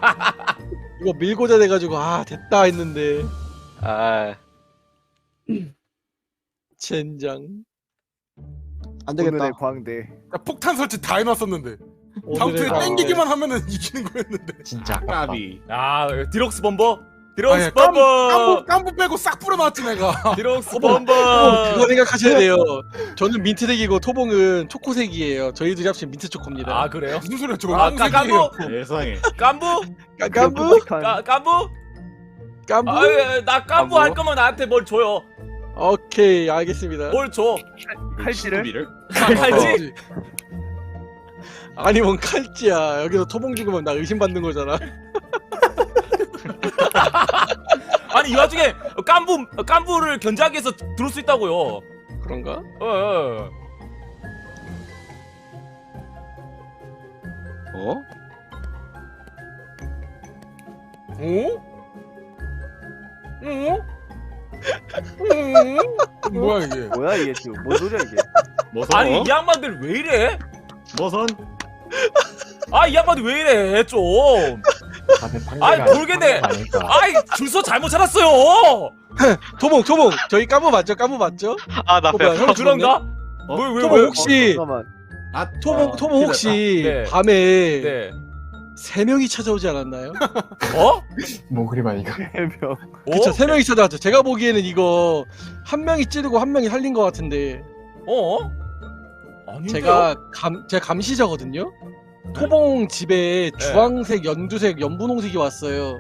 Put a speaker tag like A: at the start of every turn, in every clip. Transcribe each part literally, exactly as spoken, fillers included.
A: 이거 밀고자 돼가지고 아 됐다 했는데
B: 아
A: 젠장.
C: 안 되겠다.
D: 오늘의 광대.
E: 야, 폭탄 설치 다 해놨었는데 다음
A: 오늘의
E: 턴에
A: 광대.
E: 땡기기만 하면은 이기는 거였는데.
F: 진짜 아깝다.
G: 까비.
H: 아 디럭스 범버. 디럭스
E: 아니, 깜-
H: 범버.
E: 깜부 깜부 빼고 싹 뿌려놨지 내가.
H: 디럭스
A: 토봉
H: 범버.
A: 그거 생각하셔야 돼요. 저는 민트색이고 토봉은 초코색이에요. 저희 둘이 합치면 민트 초코입니다.
H: 아 그래요?
E: 무슨 소리야 저거?
H: 아 까- 깐부.
G: 세상에.
H: 깐부.
A: 까- 깐부?
H: 까- 깐부.
A: 깐부?
H: 아, 예, 나 깐부 할 거면 나한테 뭘 줘요.
A: 오케이 알겠습니다.
H: 뭘 줘?
D: 칼질을?
H: 칼지?
A: 아니 뭔 칼찌야. 여기서 토봉 죽으면 나 의심받는 거잖아.
H: 아니 이 와중에 깐부 깐부를 견제하기 위해서 들을 수 있다고요.
A: 그런가?
H: 어. 어.
B: 어?
E: 어? 어? 어? 뭐야 이게?
D: 뭐야 이게 지금? 뭔 소리야 이게?
G: 뭐선?
H: 아니 이 양반들 왜 이래?
G: 뭐선?
H: 아 이 양반들 왜 이래 좀. 아이 모르겠네. 아이 줄서 잘못 찾았어요.
A: 토봉 토봉 저희 깐부 맞죠? 깐부 맞죠?
B: 아나
A: 어, 뭐야, 형
H: 아, 그런가?
B: 어?
H: 왜 왜
A: 토봉
H: 왜?
A: 혹시
D: 잠깐만.
G: 아
A: 토봉
G: 어,
A: 토봉 혹시
H: 네.
A: 밤에
H: 네.
A: 세 명이 찾아오지 않았나요?
H: 어?
F: 뭐 그리 많이 가.
D: 해명.
A: 그쵸
H: 어?
A: 세 명이 찾아왔죠. 제가 보기에는 이거 한 명이 찌르고 한 명이 살린 것 같은데
H: 어? 아닌데요?
A: 제가 감 제가 감시자거든요. 토봉 집에 주황색, 연두색, 연분홍색이 왔어요.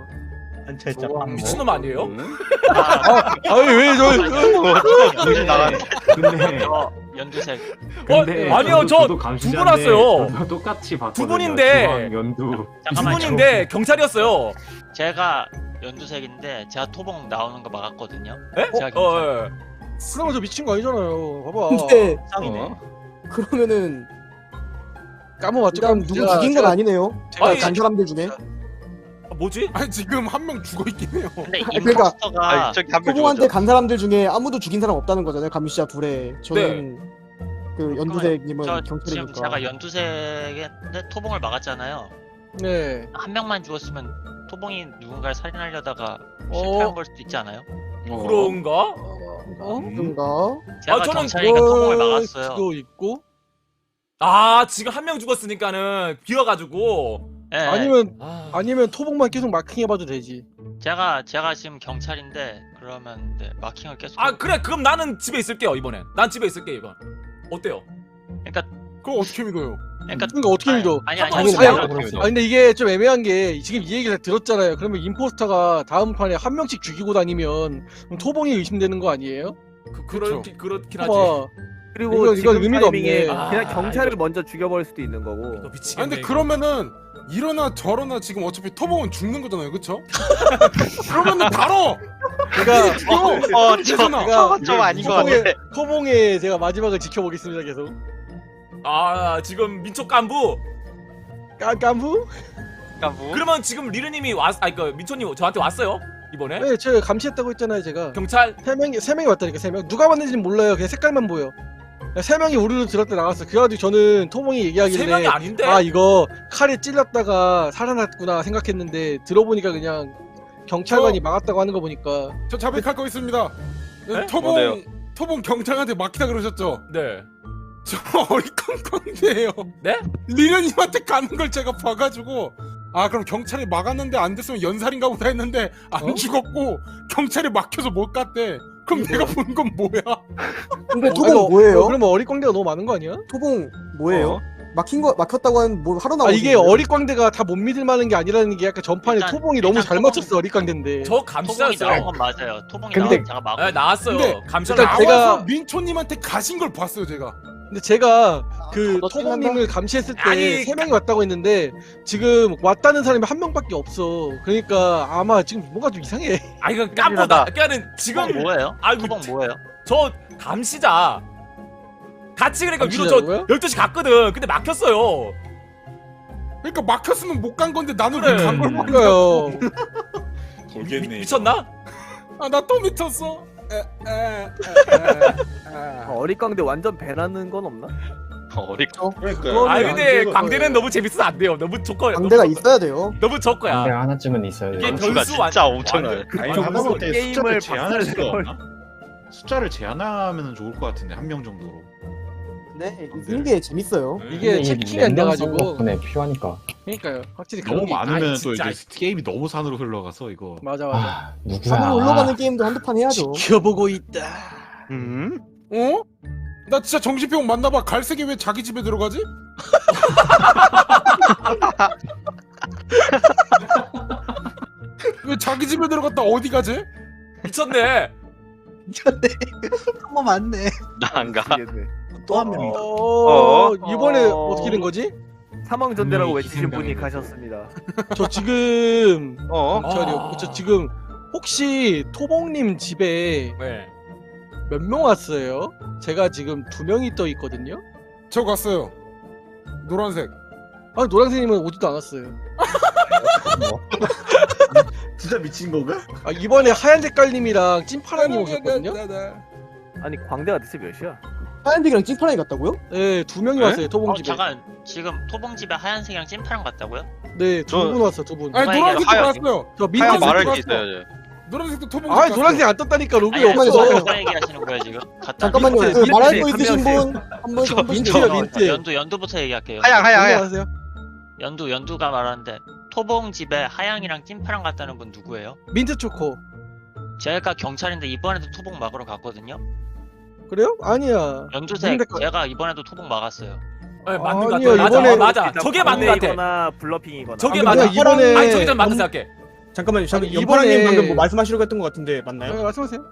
H: 미친놈 아니에요?
A: 아, 아니 왜 저?
B: 정신 나간.
F: 근데
B: 어 연두색.
F: 근데
H: 어, 아니요, 저
F: 저도
H: 두
F: 감시자인데
H: 분 왔어요.
F: 저도 똑같이 봤거든요.
H: 두 분인데.
F: 주황, 연두.
H: 두
B: 잠깐만요.
H: 분인데 경찰이었어요.
B: 제가 연두색인데 제가 토봉 나오는 거 막았거든요.
H: 에?
B: 제가
H: 어,
B: 경찰.
H: 어, 예.
A: 그러면 저 미친 거 아니잖아요. 봐봐.
C: 근데
B: 쌍이네.
A: 어?
C: 그러면은
A: 까무 맞죠?
C: 일단
A: 까무.
C: 누구
A: 제가-
C: 죽인 건
A: 제가-
C: 아니네요.
A: 제가
H: 아니,
C: 간 사람들 중에
H: 아, 뭐지?
E: 아니 지금 한 명 죽어 있긴 해요.
B: 근데
C: 그러니까-
B: 임포스터가
A: 아,
B: 저기 한명
C: 토봉한테 간 사람들 중에 아무도 죽인 사람 없다는 거잖아요. 감시자 둘에 저는
H: 네.
C: 그 연두색님은
B: 저 지금
C: 경찰이니까.
B: 제가 연두색인데 토봉을 막았잖아요.
A: 네.
B: 한 명만 죽었으면 토봉이 누군가를 살인하려다가
A: 어.
B: 실패한 걸 수도 있지 않아요?
H: 그런가?
A: 어?
C: 그런가?
B: 제가
H: 아, 저는
B: 경찰이니까 토봉을 막았어요.
A: 그거 있고
H: 아 지금 한 명 죽었으니까는 비어가지고.
B: 예,
A: 아니면
H: 아,
A: 아니면 토봉만 계속 마킹해봐도 되지.
B: 제가 제가 지금 경찰인데 그러면 네, 마킹을 계속.
H: 아 그래 그럼 나는 집에 있을게요 이번엔. 난 집에 있을게 이번. 어때요?
B: 그러니까
E: 그거 어떻게 믿어요?
B: 그러니까
A: 그러니까 어떻게 믿어?
B: 아니 아니
H: 아니,
B: 아니.
A: 아니,
B: 아니,
A: 아 근데 이게 좀 애매한 게 지금 이 얘기를 다 들었잖아요. 그러면 임포스터가 다음 판에 한 명씩 죽이고 다니면 그럼 토봉이 의심되는 거 아니에요?
H: 그 그렇긴 그렇긴 하지.
A: 봐봐.
D: 그리고
A: 이건-
D: 지금
A: 이건 의미가
D: 타이밍에
A: 없네.
D: 그냥
H: 아,
D: 경찰을
H: 이거-
D: 먼저 죽여버릴 수도 있는 거고.
H: 이거
E: 아
H: 미치겠네.
E: 근데
H: 이거.
E: 그러면은 이러나 저러나 지금 어차피 토봉은 죽는 거잖아요, 그쵸? 그러면은 바로
A: 제가
E: 죽여.
B: 어, 저,
E: 괜찮아.
B: 저건 좀 아닌 것
A: 토봉의
B: 같은데.
A: 토봉의 제가 마지막을 지켜보겠습니다. 계속.
H: 아 지금 민초 깐부.
A: 까 깐부?
B: 그러니까 뭐
H: 그러면 지금 리르님이 왔, 아니 그 민초님 저한테 왔어요 이번에?
A: 네, 제가 감시했다고 했잖아요. 제가
H: 경찰.
A: 세 명이 세 명이 왔다니까 세 명. 누가 왔는지는 몰라요. 그냥 색깔만 보여. 세 명이 우르르 들었다 나갔어. 그래가지고 저는 토봉이 얘기하길래
H: 세 명이 아닌데?
A: 아 이거 칼에 찔렸다가 살아났구나 생각했는데 들어보니까 그냥 경찰관이
E: 저-
A: 막았다고 하는 거 보니까
E: 저 자백할 거 있습니다.
H: 네?
E: 토봉
B: 뭔데요?
E: 토봉 경찰한테 막히다 그러셨죠?
H: 네.
E: 저 어리광광대예요.
H: 네?
E: 리련님한테 가는 걸 제가 봐가지고 아 그럼 경찰이 막았는데 안 됐으면 연살인가 보다 했는데 안
A: 어?
E: 죽었고 경찰이 막혀서 못 갔대. 그럼 내가 본 건 뭐야?
C: 근데
A: 어,
C: 토봉
A: 이거-
C: 뭐예요?
A: 어, 그러면 어리광대가 너무 많은 거 아니야?
C: 토봉 뭐예요?
A: 어?
C: 막힌 거 막혔다고 하는 뭐 하러
A: 아
C: 나오는
A: 이게 어리광대가 다 못 믿을 만한 게 아니라는 게 약간 전판에
B: 일단-
A: 토봉이 너무
B: 일단
A: 잘
B: 토봉-
A: 맞췄어 어리광대인데.
H: 저
B: 토봉이 나온
H: 감시자였어요.
B: 건 맞아요. 토봉이
C: 근데-
B: 나온 제가 막고.
H: 네, 나왔어요.
E: 근데
H: 감시자
A: 일단
H: 나왔어요.
A: 제가-
E: 나와서 민초님한테 가신 걸 봤어요 제가.
A: 근데 제가 그
C: 너
A: 토봉님을 감시했을 때
H: 아니,
A: 세 명이 왔다고 했는데 지금 왔다는 사람이 한 명밖에 없어. 그러니까 아마 지금 뭔가 좀 이상해.
H: 아 이거 깐부다. 그러니까는 지금
B: 토봉 뭐예요?
H: 아이고,
B: 토봉 뭐예요?
H: 저 감시자 같이 그러니까 위로 저
A: 감시자고요?
H: 열두 시 갔거든. 근데 막혔어요.
E: 그러니까 막혔으면 못 간 건데 나는
H: 그래.
E: 왜 간 걸
A: 그러니까요.
E: 모르겠어.
H: 미,
G: 모르겠네.
H: 미쳤나?
E: 아나 또 미쳤어. 에, 에, 에, 에, 에.
D: 아, 어리광대 완전 배나는 건 없나?
G: 어리.
A: 그거는
H: 아니
A: 안
H: 근데
A: 되는
H: 광대는
A: 거예요.
H: 너무 재밌어서 안 돼요. 너무 조커.
C: 광대가
H: 너무,
C: 있어야 돼요.
H: 너무 조커야.
F: 광대 하나쯤은 있어요.
H: 이게
G: 변수가
H: 변수 완-
G: 진짜 엄청나요.
D: 아니
I: 하다
D: 무슨
I: 못해
D: 게임을
I: 숫자를 제한할 수가
D: 박살내고.
I: 없나? 숫자를 제한하면 좋을 것 같은데 한 명 정도로.
C: 네, 있는 게 재밌어요.
A: 이게 체킹이 안 돼가지고.
F: 덕분에 필요하니까.
A: 그러니까요. 확실히
I: 너무
A: 그런 게
I: 많으면
H: 아이,
I: 또
H: 진짜.
I: 이제 게임이 너무 산으로 흘러가서 이거.
A: 맞아 맞아.
F: 아 누구야?
C: 산으로 올라가는 게임도 한두 판 해야죠.
A: 지켜보고 있다.
G: 음?
E: 어? 나 진짜 정신병 맞나봐. 갈색이 왜 자기 집에 들어가지? 왜 자기 집에 들어갔다 어디 가지?
H: 미쳤네.
A: 한번 맞네.
G: 나 안 가.
D: 미치겠네.
C: 또 한 명이다.
A: 어, 이번에
D: 어.
A: 어떻게 된 거지?
D: 사망 전대라고
F: 분명히
D: 외치신 분이
F: 희생당했네.
D: 가셨습니다.
A: 저 지금
G: 어?
A: 경찰이요.
H: 아.
A: 저 지금 혹시 토봉님 집에
H: 네.
A: 몇 명 왔어요? 제가 지금 두 명이 떠 있거든요.
E: 저 갔어요. 노란색.
A: 아 노란색님은 오지도 않았어요.
I: 진짜 미친 건가?
A: 아 이번에 하얀 색깔님이랑 찐파랑님 오셨거든요.
D: 아니 광대가 대체 몇이야?
C: 하얀색이랑 찐파랑이 같다고요?
A: 네, 두 명이
G: 네?
A: 왔어요. 토봉
B: 어
A: 집에.
B: 잠깐 지금 토봉 집에 하얀색이랑 찐파랑 같다고요?
A: 네, 두
G: 저-
A: 분 왔어, 두 분.
E: 아니
B: 누가
E: 노란색도
G: 하얀-
E: 갔어요.
A: 저
G: 하얀
A: 민트색
G: 말할
E: 들어왔어.
G: 게 있어야죠.
E: 노란색도 토봉.
A: 아, 노란색 안 떴다니까 로그에
B: 아니 아니
A: 없어.
B: 누가 얘기하시는 거예요 지금? 갔다
C: 잠깐만요.
A: 민트,
C: 그
A: 민트,
C: 말할 거
D: 한
C: 있으신
D: 명씩.
C: 분 한 번씩 한 번씩
A: 민트요,
C: 해요.
A: 민트.
B: 연두 연두부터 얘기할게요.
G: 하양 하양 하양.
A: 안녕하세요.
B: 연두 연두가 말하는데 토봉 집에 하양이랑 찐파랑 갔다는 분 누구예요?
A: 민트 초코.
B: 제가 경찰인데 이번에도 토봉 막으러 갔거든요.
A: 그래요? 아니야.
B: 연두색
A: 근데 그-
B: 제가 이번에도 토봉 막았어요.
H: 네, 맞는 것
A: 아니요,
H: 같아. 맞아,
A: 이번에-
H: 맞아. 저게 맞는 것 같아.
D: 광대이거나 블러핑이거나.
H: 저게
A: 아,
H: 맞아.
A: 근데 이번에
H: 아니 저게 좀 맞는 생각해.
C: 잠깐만요.
A: 아니,
C: 잠깐 연파랑님
A: 이번에-
C: 방금 뭐 말씀하시려고 했던 것 같은데 맞나요?
A: 네, 말씀하세요.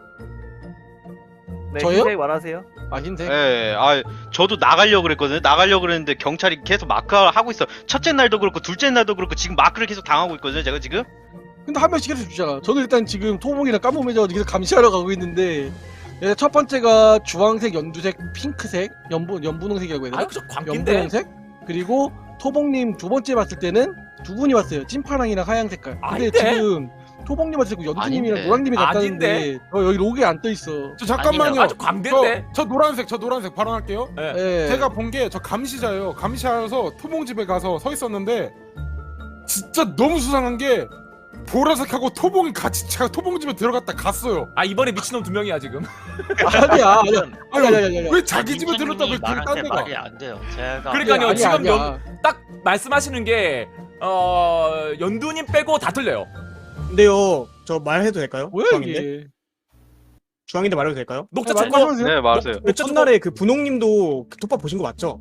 D: 네,
A: 저요?
D: 흰색 말하세요.
A: 아 흰색.
G: 예, 아 저도 나가려고 그랬거든요. 나가려고 그랬는데 경찰이 계속 마크 하고 있어. 첫째 날도 그렇고 둘째 날도 그렇고 지금 마크를 계속 당하고 있거든요. 제가 지금.
A: 근데 한 명씩 해서 주잖아. 저는 일단 지금 토봉이랑 까무매져 계속 감시하러 가고 있는데 네, 첫 번째가 주황색, 연두색, 핑크색, 연분 연분홍색이라고 해야 되나?
H: 아이 그저 광기인데.
A: 연분홍색. 그리고 토봉님 두 번째 봤을 때는 두 분이 왔어요. 찐파랑이랑 하얀 색깔. 근데
H: 아닌데?
A: 지금 토봉님 왔을 때 연두님이랑
G: 아닌데.
A: 노랑님이 갔다는데
H: 아닌데?
A: 저 여기 로그에 안 떠 있어.
E: 저 잠깐만요.
H: 아주 광대인데.
E: 저, 저 노란색 저 노란색 발언할게요.
A: 네.
E: 제가 본 게 저 감시자예요. 감시하여서 토봉 집에 가서 서 있었는데 진짜 너무 수상한 게 보라색하고 토봉이 같이 제가 토봉 집에 들어갔다 갔어요.
H: 아 이번에 미친놈 두 명이야 지금.
A: 아니야, 아니야. 아니야, 아니야, 아니야.
E: 왜 자기 집에
B: 민준님이
E: 들었다 왜 그딴
B: 말할 때
E: 데가?
B: 말이 안 돼요. 제가
H: 그러니까요.
A: 아니야,
H: 지금
A: 아니야.
H: 연, 딱 말씀하시는 게 어, 연두님 빼고 다 틀려요.
C: 근데요, 저 말해도 될까요?
A: 뭐야
C: 중앙인데?
A: 이게?
C: 중앙인데 말해도 될까요?
H: 녹차
A: 네,
H: 초코.
A: 말씀하세요.
G: 네, 맞아요.
C: 그 첫날에 그 분홍님도 그 톱밥 보신 거 맞죠?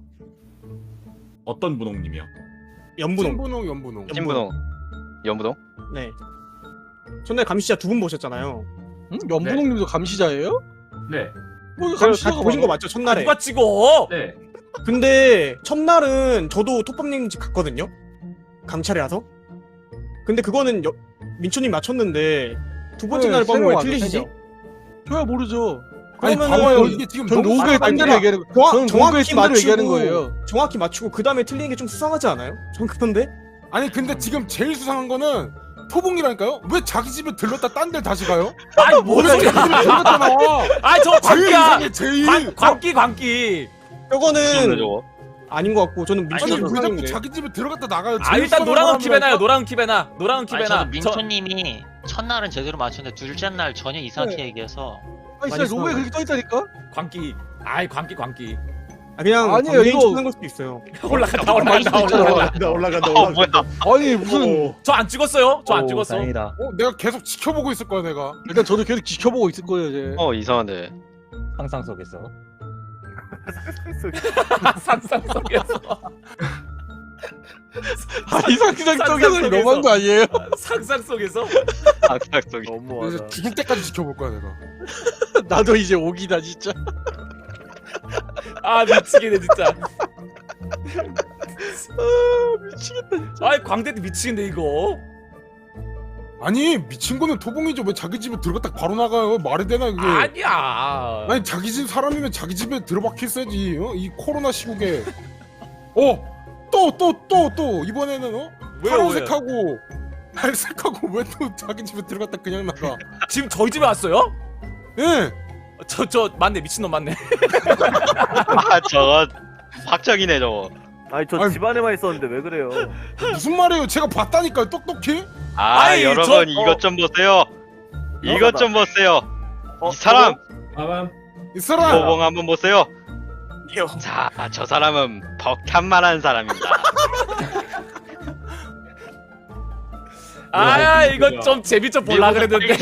I: 어떤 분홍님이요?
C: 연분홍.
E: 신분홍 연분홍.
G: 신분홍. 연분홍.
C: 네. 첫날 감시자 두 분 보셨잖아요.
A: 응? 연분홍님도 감시자예요?
I: 네.
A: 뭐 이거
C: 다
A: 감시자가
C: 보신 거
A: 많아.
C: 맞죠? 첫날에.
H: 누가 찍어?
I: 네.
C: 근데 첫날은 저도 톱밥님 집 갔거든요. 감찰이라서. 근데 그거는 여, 민초님 맞췄는데 두 번째
A: 네,
C: 날
A: 세
C: 밤에
A: 명
C: 왜
A: 왔어,
C: 틀리시지?
A: 세 명. 저야 모르죠.
E: 아니
C: 그러면은
E: 봐봐요. 이게 지금
A: 전
E: 너무
A: 로그에
C: 아니,
A: 뜬 대로
C: 아니라
A: 얘기하는 거.
C: 정확,
A: 저는 로그에
C: 정확히
A: 뜬 대로 얘기하는
C: 맞추고
A: 거예요.
C: 정확히 맞추고 그 다음에 틀리는 게 좀 수상하지 않아요? 전 그런데
E: 아니 근데 지금 제일 수상한 거는 토봉이라니까요? 왜 자기 집에 들렀다 딴 데 다시 가요?
H: 아니 뭔
E: 왜 자기
H: 소리야?
E: 집에 들렀잖아.
H: 아저
E: 제일
H: 광기야.
E: 이상해 제일.
H: 광, 광기 광기.
C: 저거는
G: 저거.
C: 아닌 것 같고 저는
E: 아니
C: 민초님
E: 왜 자꾸
C: 수상인데.
E: 자기 집에 들어갔다 나가요?
H: 아
E: 제일
H: 일단
E: 수상한
H: 노랑은 킵해놔요.
E: 사람이라니까?
H: 노랑은 킵해놔. 노랑은
B: 아니
H: 킵해놔.
B: 저도
H: 저,
B: 민초님이 첫날은 제대로 맞췄는데 둘째 날 전혀 이상하게 얘기해서
A: 아니
C: 많이
A: 진짜 로그에
C: 수상하네.
A: 그렇게 떠 있다니까?
H: 광기. 아이 광기 광기.
C: 아, 그냥
A: 아니에요,
C: 광대인
A: 이거-
C: 찍는 걸 수도 있어요.
H: 올라간다
A: 많이
H: 올라간다
A: 수도 있잖아.
H: 올라간다.
I: 올라간다
G: 어 뭐야?
A: 아니 무슨
H: 저 안 찍었어요. 저 안 찍었어.
D: 다행이다.
E: 어, 내가 계속 지켜보고 있을 거야 내가.
A: 일단 저도 계속 지켜보고 있을 거예요 이제.
G: 어 이상한데.
D: 상상 속에서.
H: 상상 속에서.
A: 아니 상상
H: 상상
A: 속에서
H: 속에서.
A: 너무한 거 아니에요?
H: 상상 속에서.
G: 항상 속이.
D: 너무하다.
E: 그래서 죽을 때까지 지켜볼 거야 내가.
A: 나도 이제 오기다 진짜.
H: 아 미치겠네 진짜.
A: 아 미치겠다 진짜.
H: 아이 광대도 미치겠네 이거.
E: 아니 미친 거는 토봉이죠. 왜 자기 집에 들어갔다 바로 나가요? 말이 되나 이게?
H: 아니야.
E: 아니 자기 집 사람이면 자기 집에 들어박혔어야지. 어? 이 코로나 시국에. 어? 또 또 또 또 이번에는 어?
H: 왜요,
E: 파란색하고 갈색하고 왜 또 자기 집에 들어갔다 그냥 나가?
H: 지금 저희 집에 왔어요?
E: 예.
H: 저 저 맞네 미친놈 맞네.
G: 아 저거 박정이네 저거.
D: 아니 저
E: 아니,
D: 집안에만 있었는데 왜 그래요?
E: 무슨 말이에요? 제가 봤다니까요, 똑똑히.
G: 아
H: 아이,
G: 여러분
H: 저-
G: 이것 좀 보세요. 이것 좀 보세요.
D: 어,
G: 이 사람
F: 빠밤.
E: 이 사람.
G: 도봉 한번 보세요.
C: 이요.
G: 자, 저 사람은 벅탄만한 사람입니다.
H: 아 이거 좀 재미 좀 볼라 그랬는데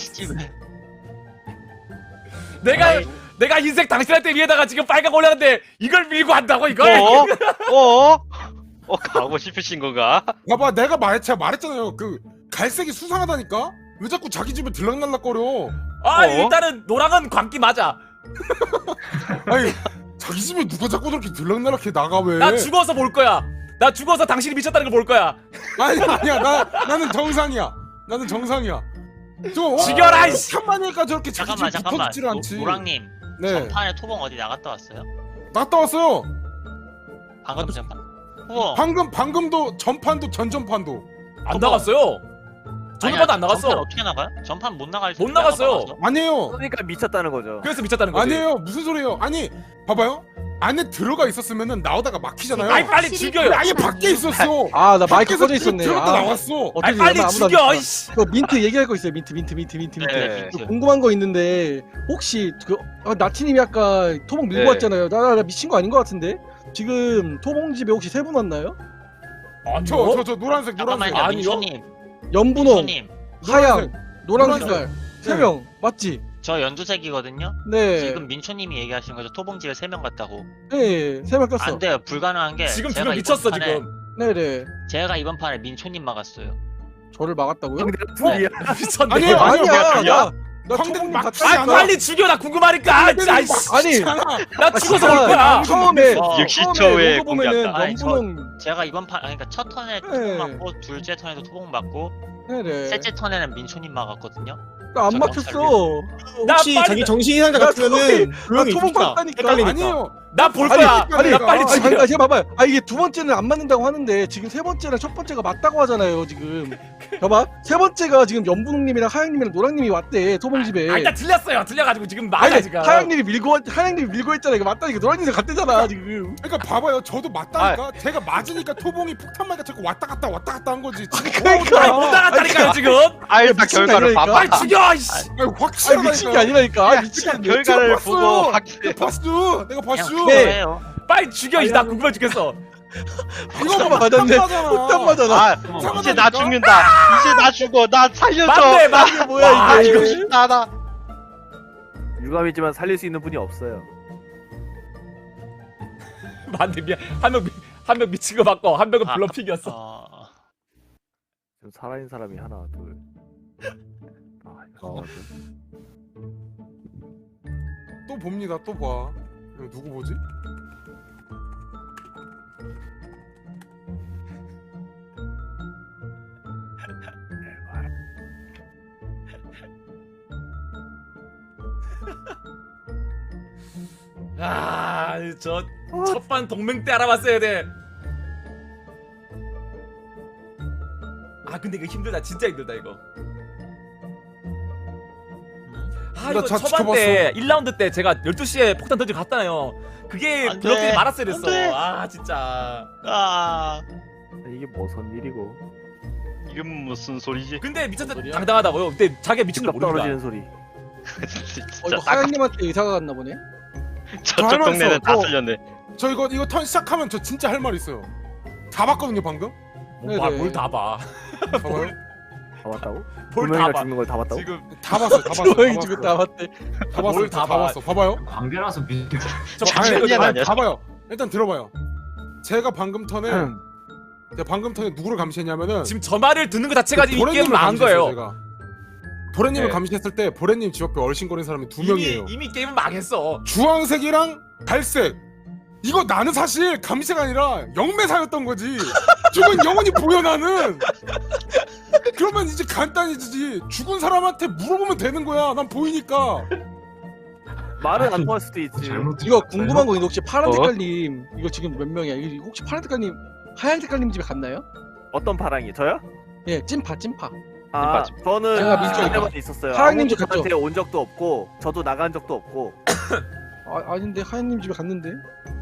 H: 내가 내가 흰색 당신한테 위에다가 지금 빨간 거 올렸는데 이걸 밀고 한다고 이걸?
G: 어? 어? 어 가고 싶으신 건가?
E: 봐봐, 내가 말 제가 말했잖아요. 그 갈색이 수상하다니까. 왜 자꾸 자기 집에 들락날락거려?
H: 아
G: 어?
H: 일단은 노랑은 광기 맞아.
E: 아니, 자기 집에 누가 자꾸 저렇게 들락날락해 나가 왜?
H: 나 죽어서 볼 거야. 나 죽어서 당신이 미쳤다는 걸 볼 거야.
E: 아니 아니야, 나 나는 정상이야. 나는 정상이야. 저 어,
H: 죽여라, 이씨.
E: 삼만일까 저렇게 자기
B: 잠깐만
E: 집에
B: 잠깐만.
E: 붙어있질 않지.
B: 노- 노랑님
E: 네,
B: 전판에 토봉 어디 나갔다 왔어요?
E: 갔다 왔어요.
B: 방금 전판? 후보
E: 방금 방금도 전판도 전전판도.
H: 안 나갔어요. 전판도 안 나갔어.
B: 전판 어떻게 나가요? 전판 못 나갈
H: 못 나갔어요.
E: 아니에요.
D: 그러니까 미쳤다는 거죠.
H: 그래서 미쳤다는 거지.
E: 아니에요. 무슨 소리예요? 아니, 봐봐요. 안에 들어가 있었으면은 나오다가 막히잖아요.
H: 아이 빨리 죽여요.
E: 아예 밖에 있었어.
A: 아 나 마이크
E: 밖에서
A: 꺼져 있었네.
E: 들어갔다
A: 아,
E: 나왔어.
A: 어떻게
H: 아이 빨리
A: 아무도 안
H: 죽여.
A: 봤다.
H: 이씨.
A: 그 민트 얘기할 거 있어요. 민트 민트 민트 민트 민트.
G: 네.
A: 그 궁금한 거 있는데 혹시 그 아, 나티님이 아까 토봉 밀고
G: 네.
A: 왔잖아요. 나, 나 미친 거 아닌 것 같은데 지금 토봉 집에 혹시 세 분 왔나요?
H: 아니요.
E: 저 저 저 노란색 노란색.
B: 잠깐만요
H: 아니요.
B: 민초님
A: 연분홍,
B: 민초님
A: 하양, 노랑
E: 노란색.
A: 색깔 세
E: 네.
A: 명 맞지?
B: 저 연두색이거든요?
A: 네.
B: 지금 민초님이 얘기하시는 거죠? 토봉집에 세 명 갔다고
A: 네, 세 명 꼈어.
B: 안 돼요 불가능한 게
H: 지금
B: 제가
H: 지금 미쳤어
B: 이번 판에-
H: 지금.
A: 네네.
B: 제가 이번 판에 민초님 막았어요
A: 저를 막았다고요?
D: 광대가 둘이야.
H: 미쳤네.
E: 아니에요, 아니요.
A: 아니야.
G: 아니야.
A: 나, 나
E: 광대
A: 토봉님
E: 막지
A: 갔다
H: 아
E: 않아.
H: 빨리 죽여 나 궁금하니까. 아이씨.
A: 아니,
H: 나 죽어서 볼 거야.
A: 처음에
B: 어,
G: 육십
A: 처음에
G: 초에
A: 로고 보면은
B: 공개한다. 아니,
A: 연분홍.
B: 제가 이번 판 아니, 그러니까 첫 턴에 토봉
A: 네.
B: 맞고 둘째 턴에도 토봉 맞고
A: 네네.
B: 셋째 턴에는 민초님 막았거든요
A: 나 안
B: 저
A: 막혔어.
H: 나
C: 혹시
H: 빨리-
C: 자기 정신 이상자
A: 나
C: 같으면은
A: 나
C: 조용히
A: 토봉
C: 있읍시다.
A: 봤다니까.
C: 헷갈리니까.
E: 아니에요.
H: 나 볼
A: 아니,
H: 거야.
A: 아니,
H: 나 빨리
A: 아니,
H: 죽여.
A: 잠깐 제가 봐봐요. 아 이게 두 번째는 안 맞는다고 하는데 지금 세 번째랑 첫 번째가 맞다고 하잖아요. 지금 봐봐. 세 번째가 지금 연분홍님이랑 하양님이랑 노랑님이 왔대 토봉 집에.
H: 아 일단 틀렸어요. 틀려가지고 지금 맞아
A: 아니,
H: 지금.
A: 하양님이 밀고 하양님이 밀고 했잖아. 이거 맞다니까 노랑님이 갔대잖아 지금.
E: 그러니까 봐봐요. 저도 맞다니까. 제가 맞으니까 토봉이 폭탄마가 자꾸 왔다 갔다 왔다 갔다 한 거지. 지금
A: 그러니까.
H: 아니 못 나갔다니까요 지금.
G: 아 일단
A: 미친 거
G: 결과를
A: 아니라니까?
G: 봐봐.
H: 빨리 죽여. 이씨.
E: 아니,
A: 아니
E: 확실하다니까.
A: 미친 게 아니라니까. 아 미친 게
G: 결과를
E: 제가
G: 보고
E: 봤어요.
G: 확실해.
E: 내가 봤어. 내가 봤어.
B: 그냥
A: 네.
B: 그거예요
H: 빨리 죽여. 이씨. 나 궁금해 죽겠어.
E: 이거
A: 맞았네.
E: 폭탄마잖아.
A: 폭탄 맞아.
G: 아 이제 나 죽는다. 이제 나 죽어. 나 살려줘.
H: 맞네 맞네.
A: 이게 뭐야
G: 아
A: 이게.
G: 이거 쉽다 나.
D: 유감이지만 살릴 수 있는 분이 없어요.
H: 맞네 미안. 한명 한 명 미친 거 맞고 한 명은
B: 아,
H: 블러핑이었어.
B: 어...
D: 지금 살아있는 사람이 하나 둘. 아 이거
I: 어.
E: 또 봅니다. 또 봐. 이거 누구 보지?
H: 아저 첫판 동맹 때 알아봤어야 돼. 아 근데 이거 힘들다. 진짜 힘들다 이거. 아
E: 나
H: 이거
E: 자-
H: 초반 때 일 라운드 때 제가 열두 시에 폭탄 던지고 갔잖아요. 그게
B: 안 돼.
H: 블러핑이 말았어야 됐어.
B: 안 돼.
H: 아 진짜.
B: 아...
D: 이게 무슨 일이고?
G: 이건 무슨 소리지?
H: 근데 미쳤다
A: 소리야?
H: 당당하다고요. 근데 자기가 미친 줄
D: 집값
H: 모르니까.
D: 떨어지는 소리.
A: 어
G: 진짜
A: 이거
G: 딱
A: 하양님한테 의사가 갔나 보네.
G: 저쪽
E: 할 말
G: 동네는
E: 있어.
G: 다
E: 저-
G: 쓸렸네.
E: 저 이거 이거 턴 시작하면 저 진짜 할 말 있어요. 다 봤거든요 방금.
A: 네네.
H: 뭘다 봐.
E: 봐봐요.
D: 다 봤다고?
H: 뭘 다
D: 분명히가
H: 봐.
D: 죽는 걸 다 봤다고?
H: 지금
E: 다 봤어요. 다 봤어요.
A: 조용히
E: 다
A: 지금
E: 봤어요.
A: 다 봤대.
E: 다 봤어요.
H: 뭘 다
E: 다
H: 봐.
E: 봤어. 봐봐요.
F: 관계라서 믿을
H: 저
E: 아니,
H: 방금
G: 아니야,
E: 아니,
G: 아니야.
E: 봐봐요. 일단 들어봐요. 제가 방금 턴에 제가 방금 턴에 누구를 감시했냐면은
H: 지금 저 말을 듣는 것 자체가 이
E: 보레님을
H: 게임 망한
E: 감시했어요,
H: 거예요.
E: 제가. 보레님을
G: 네.
E: 감시했을 때 보레님 집 옆에 얼씬거리는 사람이 두
H: 이미
E: 명이에요.
H: 이미 게임은 망했어.
E: 주황색이랑 갈색. 이거 나는 사실 감시가 아니라 영매사였던 거지. 죽은 영혼이 보여 나는. 그러면 이제 간단해지지. 죽은 사람한테 물어보면 되는 거야. 난 보이니까.
D: 말은 안 통할 수도 있지.
F: 잘못
A: 이거 궁금한 거 있는데 혹시 파란
G: 어?
A: 색깔님 이거 지금 몇 명이야? 이거 혹시 파란 색깔님 하얀 색깔님 집에 갔나요?
D: 어떤 파랑이? 저요?
A: 예, 찐파 찐파.
D: 아
G: 맞지.
D: 저는
A: 제가 민초니까.
D: 그때만 있었어요.
A: 하양님 집
D: 아무도
A: 갔죠?
D: 저한테 온 적도 없고 저도 나간 적도 없고.
A: 아 아닌데 하얀님 집에 갔는데.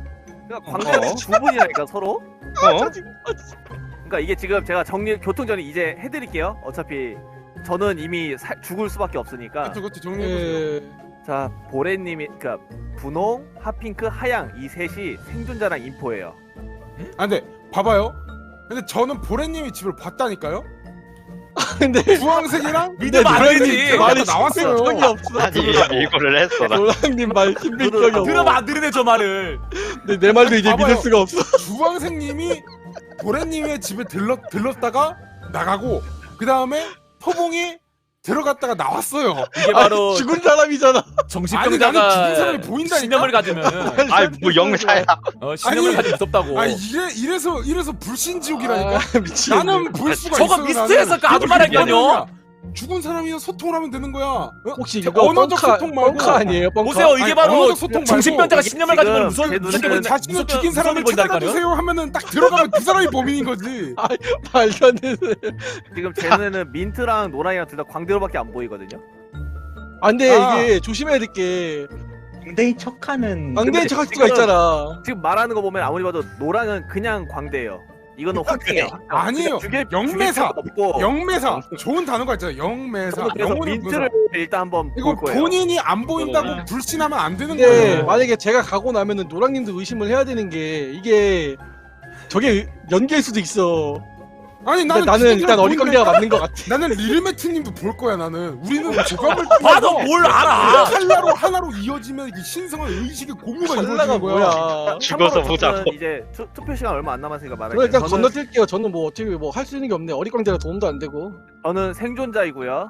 J: 그러니까 광대가
G: 어?
J: 두 분이라니까 서로.
G: 어?
J: 그러니까 이게 지금 제가 정리 교통전이 이제 해드릴게요. 어차피 저는 이미 사, 죽을 수밖에 없으니까.
E: 그렇죠, 그렇죠. 정리해보세요.
A: 예.
J: 자 보레님이 그러니까 분홍, 핫핑크, 하양 이 셋이 생존자랑 인포예요.
E: 아 근데 봐봐요. 근데 저는 보레님이 집을 봤다니까요.
A: 근데
E: 주황색이랑
H: 믿으면 안
A: 노랑님
H: 되지.
A: 말이
E: 나왔어요.
A: 적이 없어.
G: 아니 이거를 했어 나.
A: 노랑님 말 힘들 적이 없어.
H: 들으면 안 들으네 저 말을.
A: 근데 내 말도 이제
E: 봐봐요.
A: 믿을 수가 없어.
E: 주황색님이 보레님의 집에 들렀 들렀다가 나가고 그 다음에 토봉이 들어갔다가 나왔어요.
H: 이게 바로
A: 아니, 죽은 사람이잖아.
E: 아니 나는 죽은
H: 정신병자가
E: 사람이 보인다니까.
H: 신념을 가지면
G: 아이 뭐 영사야.
H: 어, 신념을
E: 아니,
H: 가지면 무섭다고.
E: 아 이래 이래서 이래서 불신지옥이라니까.
A: 아, 미치겠네.
E: 나는 볼 수가
H: 저거
E: 있어.
H: 미스트에서 그 아줌마라니까요.
E: 죽은 사람이랑 소통을 하면 되는 거야. 어?
A: 혹시
E: 저
A: 이거
E: 언어적
A: 뻥카,
E: 소통 말고
A: 뻥카 아니에요? 뻥카?
H: 보세요 이게
E: 아니,
H: 바로
E: 언어적 소통 말고
H: 정신병자가
J: 이게
H: 신념을
J: 지금
H: 가지면 무서운
J: 제
H: 무섭게
J: 눈에는
H: 보인다-
E: 자신을
H: 무섭게-
E: 죽인 사람을
H: 무섭게
E: 찾아다
H: 보인다니까요.
E: 주세요 하면은 딱 들어가면 그 사람이 범인인 거지.
A: 말도 안 되는.
J: 지금 제 눈에는 민트랑 노랑이랑 둘 다 광대로밖에 안 보이거든요.
A: 아, 근데
E: 아.
A: 이게 조심해야 될 게
F: 광대인 척하는
A: 광대인 척할 수가
J: 지금-
A: 있잖아.
J: 지금 말하는 거 보면 아무리 봐도 노랑은 그냥 광대예요. 이거는 확정이에요.
E: 아니에요.
J: 죽일,
E: 영매사.
J: 죽일 필요가 없고.
E: 영매사 좋은 단어가 있잖아요. 영매사.
J: 저는 그래서
E: 영혼을
J: 민트를 일단 한번
E: 이거
J: 볼 거예요.
E: 본인이 안 보인다고 불신하면 안 되는
A: 근데
E: 거예요.
A: 만약에 제가 가고 나면은 노랑님도 의심을 해야 되는 게 이게 저게 연기일 수도 있어.
E: 아니
A: 근데
E: 나는
A: 나는 일단 어리광대가 맞는 것 같아.
E: 나는 리르메트님도 볼 거야. 나는 우리는 조각을
H: 봐도 뭘 알아.
E: 칼라로 하나로 이어지면 이게 신성한 의식의 고무가
A: 칼라가
E: 이루어지는 거야.
A: 뭐야?
G: 죽어서
J: 참고로
G: 보자고.
J: 저는 이제 투, 투표 시간 얼마 안 남았으니까
A: 그럼
J: 말할게요.
A: 일단
J: 저는,
A: 건너뛸게요. 저는 뭐 어떻게 뭐 할 수 있는 게 없네. 어리광대라 도움도 안 되고.
J: 저는 생존자이고요.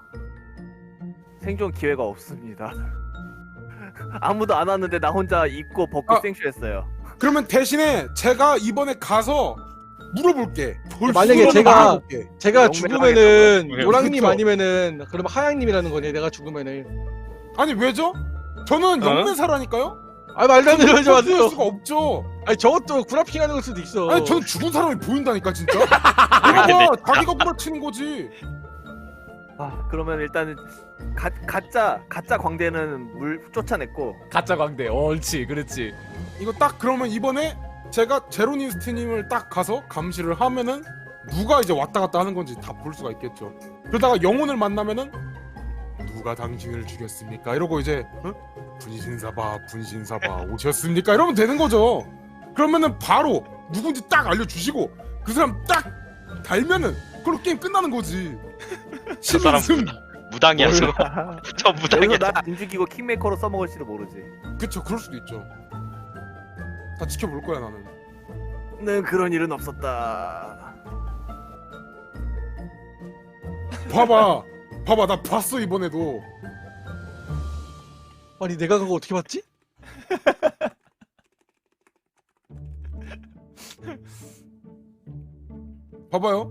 J: 생존 기회가 없습니다. 아무도 안 왔는데 나 혼자 입고 벗고
E: 아.
J: 생쇼했어요.
E: 그러면 대신에 제가 이번에 가서 물어볼게. 볼
A: 만약에
E: 수로
A: 제가-
E: 말해볼게.
A: 제가
J: 영매를
A: 죽으면은
G: 하겠다고요?
A: 노랑님
E: 그쵸.
A: 아니면은 그러면 하양님이라는 거네. 내가 죽으면은.
E: 아니 왜죠? 저는
G: 어?
E: 영매사라니까요.
A: 아 말도 안 되는 하지
E: 볼
A: 마세요.
E: 수가 없죠.
A: 아니 저것도 구라핑하는 걸 수도 있어.
E: 아니 저는 죽은 사람이 보인다니까 진짜. 이거 봐, 자기가 구라치는 거지.
J: 아 그러면 일단은 가, 가짜 가짜 광대는 물 쫓아냈고
H: 가짜 광대. 어, 옳지, 그렇지.
E: 이거 딱 그러면 이번에 제가 제로니스트님을 딱 가서 감시를 하면은 누가 이제 왔다 갔다 하는 건지 다 볼 수가 있겠죠. 그러다가 영혼을 만나면은 누가 당신을 죽였습니까? 이러고 이제 어? 분신사바 분신사바 오셨습니까? 이러면 되는 거죠. 그러면은 바로 누군지 딱 알려주시고 그 사람 딱 달면은 그걸로 게임 끝나는 거지.
G: 저 사람
E: 신승.
G: 무당이야 저. 저 무당이야.
J: 여기서 나안 죽이고 킹메이커로 써먹을지도 모르지.
E: 그쵸, 그럴 수도 있죠. 다 지켜볼 거야 나는.
J: 는 그런 일은 없었다.
E: 봐봐, 봐봐, 나 봤어 이번에도.
A: 아니 내가 그거 어떻게 봤지?
E: 봐봐요.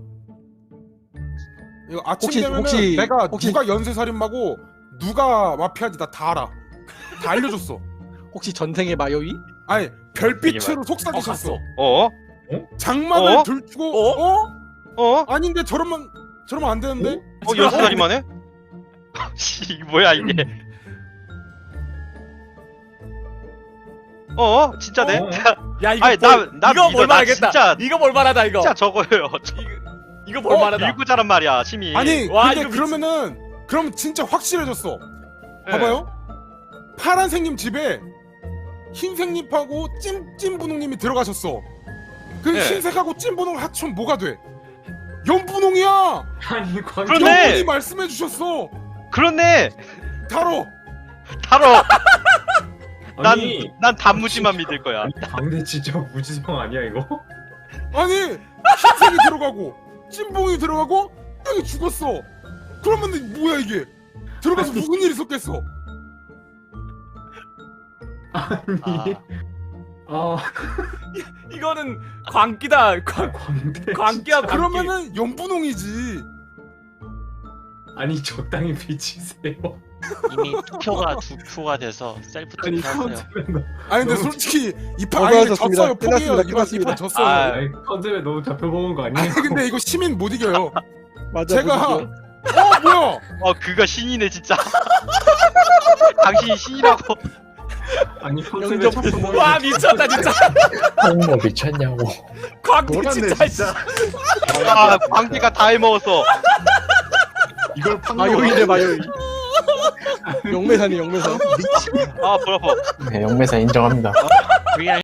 E: 이거 아침
A: 혹시-
E: 되면은
A: 혹시-
E: 내가
A: 혹시-
E: 누가 연쇄살인마고 누가 마피아인지 나 다 알아. 다 알려줬어.
A: 혹시 전생의 마요이?
E: 아니 별빛으로
H: 어,
E: 속삭이셨어.
H: 갔어.
G: 어?
E: 장막을
G: 어?
E: 들추고
H: 어?
E: 어?
G: 어?
E: 아닌데 저러면 저러면 안 되는데?
G: 어 연수살이만 해? 씨 뭐야 이게? 어? 진짜네?
F: 어?
H: 야 이거
G: 아니,
H: 볼-
G: 나- 나
H: 이거
G: 믿어.
H: 볼
G: 나
H: 만하겠다.
G: 진짜-
H: 이거 볼 만하다 이거.
G: 진짜 저거예요.
H: 이거 볼
G: 어?
H: 만하다.
G: 밀고 자란 말이야 심이.
E: 아니
H: 와,
E: 근데
H: 이거 미치-
E: 그러면은 그럼 진짜 확실해졌어.
G: 네.
E: 봐봐요. 파란색님 집에 흰색님하고 찜찜분홍님이 들어가셨어. 그
G: 네.
E: 흰색하고 찜분홍 합치면 뭐가 돼? 연분홍이야.
F: 아니 광
G: 그러네.
E: 영분이 말씀해 주셨어.
G: 그렇네.
E: 다뤄.
G: 다뤄. 난
F: 아니
G: 난 단무지만 믿을 거야.
F: 아니, 광대 진짜 무지성 아니야 이거?
E: 아니 흰색이 들어가고 찜봉이 들어가고 형이 죽었어. 그러면 뭐야 이게? 들어가서 무슨 일이 있었겠어?
F: 아니 아,
H: 이거는 광기다. 광
F: 광대
H: 광기야 광기.
E: 그러면은 연분홍이지.
F: 아니 적당히 비치세요.
B: 이미 투표가 두 표가 돼서 셀프
F: 아니
B: 투표하세요.
F: 컨셉은
E: 아니 근데
F: 너무-
E: 솔직히 이판
A: 어,
E: 아니 근데
A: 끝났습니다.
E: 졌어요. 포기해요.
A: 끝났습니다.
E: 이판
A: 끝났습니다.
E: 이판 졌어요.
G: 아,
F: 아니, 컨셉에 너무 잡혀먹은 거 아니에요?
E: 아니 근데 이거 시민 못 이겨요.
A: 맞아.
E: 제가
A: 그거죠.
E: 어 뭐야?
G: 어 그거 신이네 진짜. 당신이 신이라고.
F: 아니 컨셉에
A: 영접
F: 첫
H: 와 미쳤다 진짜.
K: 홍보 미쳤냐고.
H: 광기
I: 뭐란데
H: 진짜.
I: 진짜.
G: 아 광기가 다 해먹었어.
I: 이걸 판
A: 마요이네 마요이. 영매사네 영매사.
G: 아 볼 아파.
K: 네, 영매사 인정합니다.
B: 그냥